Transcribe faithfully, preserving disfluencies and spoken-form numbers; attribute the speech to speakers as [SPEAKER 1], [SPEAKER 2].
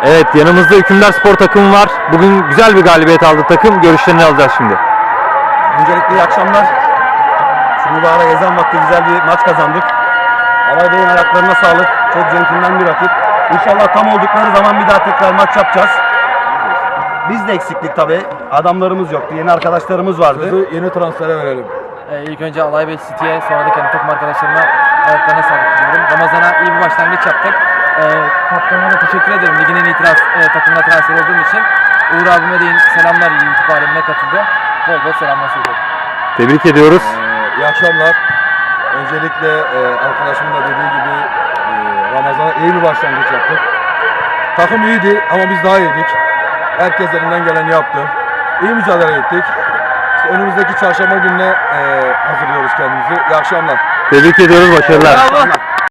[SPEAKER 1] Evet, yanımızda Hükümdar Spor takımı var. Bugün güzel bir galibiyet aldı takım. Görüşlerini alacağız şimdi.
[SPEAKER 2] Öncelikle iyi akşamlar. Şu mübarek ezan vakti güzel bir maç kazandık. Alay Bey'in ayaklarına sağlık. Çok centilmen bir rakip. İnşallah tam oldukları zaman bir daha tekrar maç yapacağız. Biz de eksiklik tabii. Adamlarımız yoktu. Yeni arkadaşlarımız vardı.
[SPEAKER 3] Sözü yeni transfere verelim.
[SPEAKER 4] Ee, ilk önce Alay Bey City'ye, sonra da kendi takım arkadaşlarıma ayaklarına sağlık diliyorum. Ramazan'a iyi bir başlangıç yaptık. Ee, kaptanıma da teşekkür ederim. Ligin en iyi trans, e, takımına transfer olduğum için. Uğur abime de selamlar, YouTube alemine katıldı. Bol bol selamlar söylüyorum.
[SPEAKER 1] Tebrik ediyoruz.
[SPEAKER 3] Ee, iyi akşamlar. Öncelikle e, arkadaşımın da dediği gibi e, Ramazan'a iyi bir başlangıç yaptık. Takım iyiydi ama biz daha iyiydik. Herkes elinden geleni yaptı. İyi mücadele ettik. İşte önümüzdeki çarşamba gününe e, hazırlıyoruz kendimizi. İyi akşamlar.
[SPEAKER 1] Tebrik ediyoruz, başarılar.
[SPEAKER 2] Bravo.